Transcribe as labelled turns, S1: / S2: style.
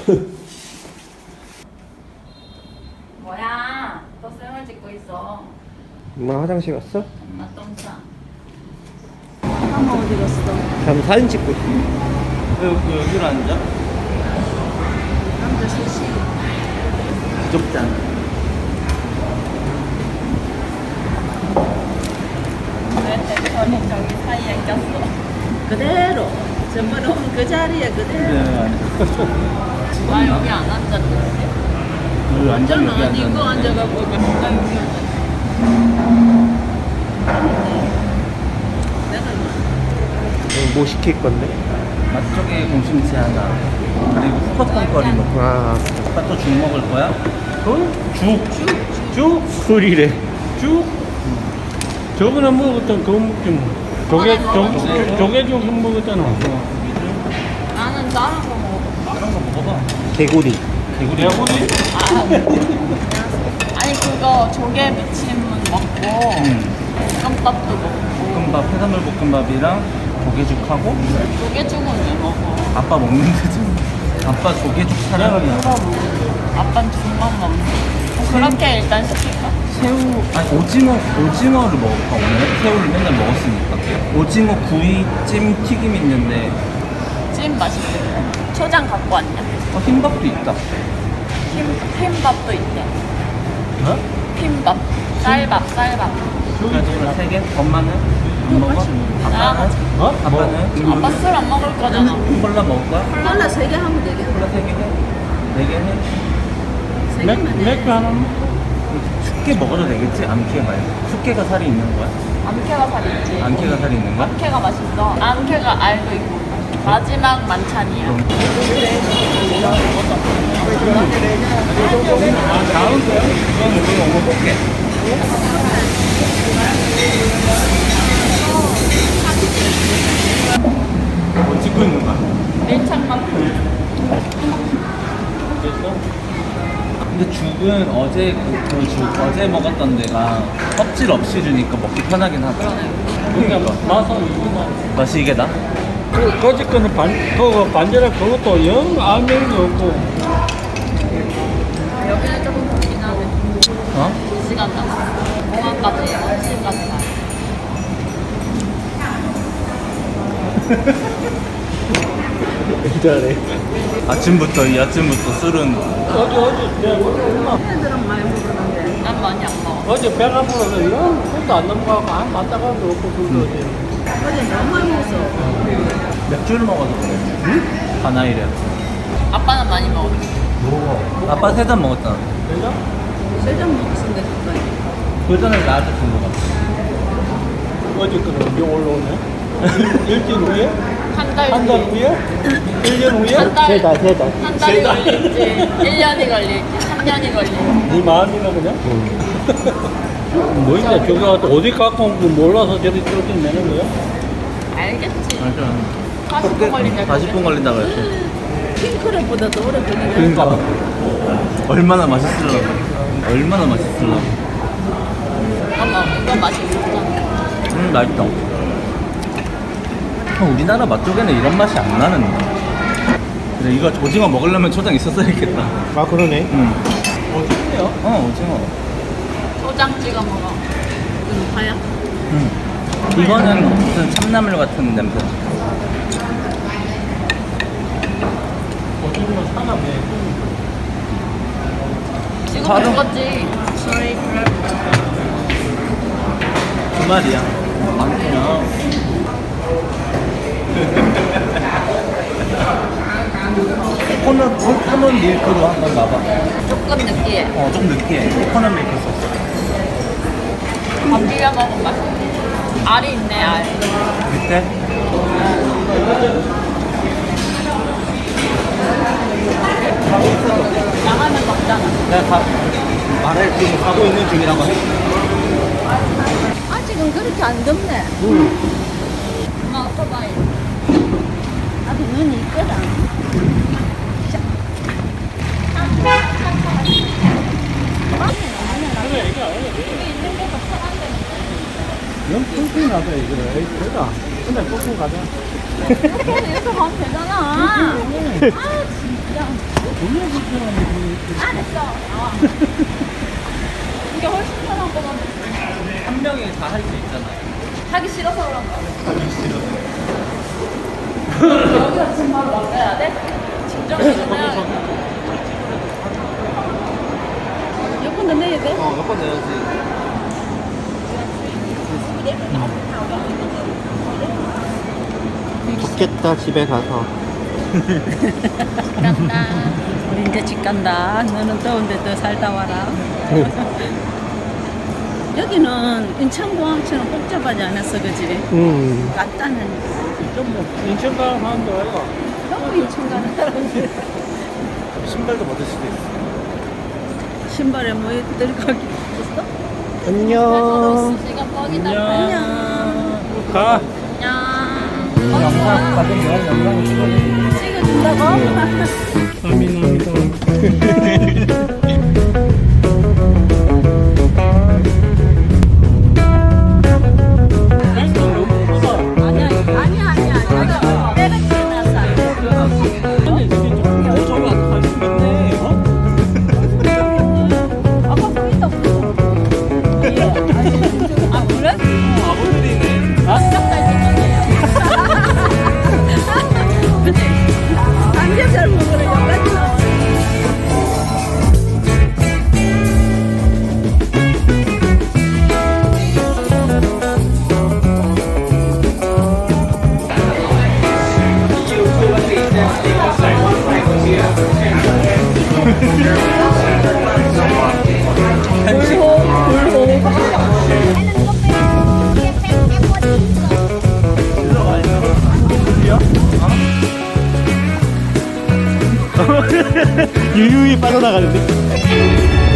S1: 뭐야? 또 쌤을 찍고 있어.
S2: 엄마 화장실 갔어?
S1: 엄마 똥 싸.
S3: 엄마 어디 갔어?
S2: 다음 사진 찍고 있어.
S4: 왜 여기로 앉아?
S3: 남자 셋이.
S4: 부족잖아.
S1: 왜 대표님 저기 사이에 꼈어?
S3: 그대로. 전번에 오면 그 자리에 그대로.
S1: 나 여기 안 앉았는데?
S4: 여기 앉아
S3: 저는
S4: 여기
S3: 아니고
S4: 앉았는데.
S3: 앉아갖고 나 여기 앉았어. 내가
S2: 뭐 시킬 건데?
S4: 맛쪽에 공심채 하나. 그리고 후커펑거리 먹고.
S2: 아,
S4: 아빠 또 죽 먹을 거야?
S2: 쭉? 꿀이래.
S5: 쭉? 저번에 먹었던 그거 먹지 뭐. 조개죽 먹었잖아.
S1: 나는 다른 거 먹어.
S4: 다른 거 먹어봐.
S2: 개구리.
S5: 개구리?
S1: 아니 그거 조개 무침은 먹고 볶음밥도 먹고
S4: 볶음밥, 해산물 볶음밥이랑 조개죽하고
S1: 조개죽은 왜 먹어?
S4: 아빠 먹는데 지금. 아빠 조개죽 사랑이야.
S1: 아빠는 죽만 먹는. 그렇게 일단 시킬까?
S4: 새우, 아니 오징어를 먹을까 오늘? 새우를 맨날 먹었으니까. 오징어 구이, 찜, 튀김 있는데
S1: 찜 맛있겠다. 초장 갖고 왔냐?
S4: 흰밥도 있다.
S1: 흰밥도 있대.
S4: 어?
S1: 흰밥. 쌀밥.
S4: 그래서 오늘 3개? 엄마는? 안 먹어? 아빠는?
S5: 어?
S4: 아빠는?
S1: 아빠 술 안 먹을 거잖아.
S4: 콜라 먹을 거야?
S3: 콜라 3개 하면 되겠네.
S4: 콜라 3개 해? 4개 해?
S3: 3개만 해.
S5: 맥주 하나 먹어.
S4: 숙회 먹어도 되겠지? 암캐 말고. 숙회가 살이 있는 거야?
S1: 암캐가 살 있지.
S4: 암캐가 살이 있는 거야?
S1: 암캐가 맛있어. 암캐가 알도 있고. 마지막 만찬이야.
S4: 다음 거야? 이건 우리 먹어볼게. 뭐 찍고 있는 거야?
S1: 밀착만큼.
S4: 근데 죽은 어제 어제 먹었던 데가 껍질 없이 주니까 먹기 편하긴 하다.
S5: 그러니까 맛은 이거
S4: 맛이 이게 나?
S5: 그 거짓 거는 그거 반절에 그것도 영 알맹이도 없고.
S1: 여기는 조금 덥긴 하네.
S4: 어?
S1: 2시간 남았어. 공항까지 1시까지 가.
S2: 잘해.
S4: 아침부터 술은
S5: 어제 내가 얼마
S3: 애들은 많이 먹었는데.
S1: 난 많이 안 먹어.
S5: 어제 배가 불러서 영 손도 안 넘어가고 안 맞다가도 없고 그거 어제.
S3: 어제 너무 많이 먹었어.
S4: 맥주를 먹어서 그래. 응? 가나이래.
S1: 아빠는 많이 먹었어.
S4: 아빠 3잔 먹었잖아.
S5: 그죠?
S3: 3잔 먹었는데 가까이.
S4: 그 전에 나한테 준거 같아.
S5: 어제 거는 언제 올라오네? 일주일 후에?
S1: 한 달
S5: 한 달 후에? 1년 후에?
S1: 한 달.
S2: 세 달.
S1: 한 달이 걸릴지, 1년이 걸릴지, 3년이 걸릴지.
S5: 네 마음이나 그냥? 뭐 이제 저기 가서 어디 갖고 온 거 몰라서 저리 쫓겨내는 거야?
S1: 알겠지.
S4: 맞아.
S1: 40분 걸린다.
S4: 40분 걸린다 그랬어.
S3: 핑크랩보다 더 오래 걸리네.
S4: 그러니까 얼마나 맛있을라고. 얼마나 맛있을라고.
S1: 엄마, 이거 맛있었잖아.
S4: 맛있다. 우리나라 맛쪽에는 이런 맛이 안 나는데. 근데 이거 오징어 먹으려면 초장 있었어야겠다.
S2: 아, 그러네.
S4: 응.
S5: 어떻게요?
S4: 오징어.
S1: 초장 찍어 먹어.
S3: 이거 봐야.
S4: 응. 이거는 무슨 참나물 같은 냄새.
S5: 어쩌면 사나 왜?
S1: 지금
S4: 바로.
S1: 먹었지. Sorry, 그래.
S4: 두 마리야. 많구나. 코코넛 밀크로 한번 봐봐.
S1: 조금 느끼해.
S4: 좀 느끼해. 코코넛 밀크 소스.
S1: 밥 비벼 먹으면 맛있어. 알이 있네, 알.
S4: 밑에?
S1: 나가면 먹잖아.
S4: 내가 말을 지금 가고 있는 중이라고 해.
S3: 아직은 그렇게 안 덥네.
S1: 엄마 오토바이.
S3: 아직 눈이 있거든.
S5: 영 뚱뚱 나서 이거를. 그러다. 근데 뚱뚱 가자.
S1: 이렇게 가면 되잖아. 아, 진짜. 진짜. 아. 이게 훨씬 편한 거 같아.
S4: 한 명이 다 할 수 있잖아요.
S1: 하기 싫어서 그런가? 여기서 지금 바로 막아야 돼? 진정기는 해야 돼.
S3: 여권도 내야 돼?
S4: 몇번 내야지.
S2: 좋겠다 집에 가서.
S3: 간다. 우리 이제 집 간다. 너는 더운데 더 살다 와라. 여기는 인천공항처럼 복잡하지 않았어, 그지? 간단한.
S5: 좀 인천 가는 사람도 아이가.
S3: 너무 인천 가는 사람들.
S2: 신발도 받을 수도 있어.
S3: 신발에 뭐 들어가기 있었어?
S2: 안녕.
S1: 시간 뻑이다.
S3: 안녕.
S5: 가.
S1: 안녕.
S5: 영상 가끔 내가 영상을 찍어줘.
S3: 찍어준다고?
S5: 감사합니다.
S3: 아니야. 내가 태어나서 안 돼.
S4: 저기 아까 관심 있네.
S3: 아까 보인다고 그랬잖아. 예. 아, 그래?
S4: 아버들이네.
S3: 그치? 삼겹살 먹으러 여기까지 나와.
S2: 유유히 빠져나가는데.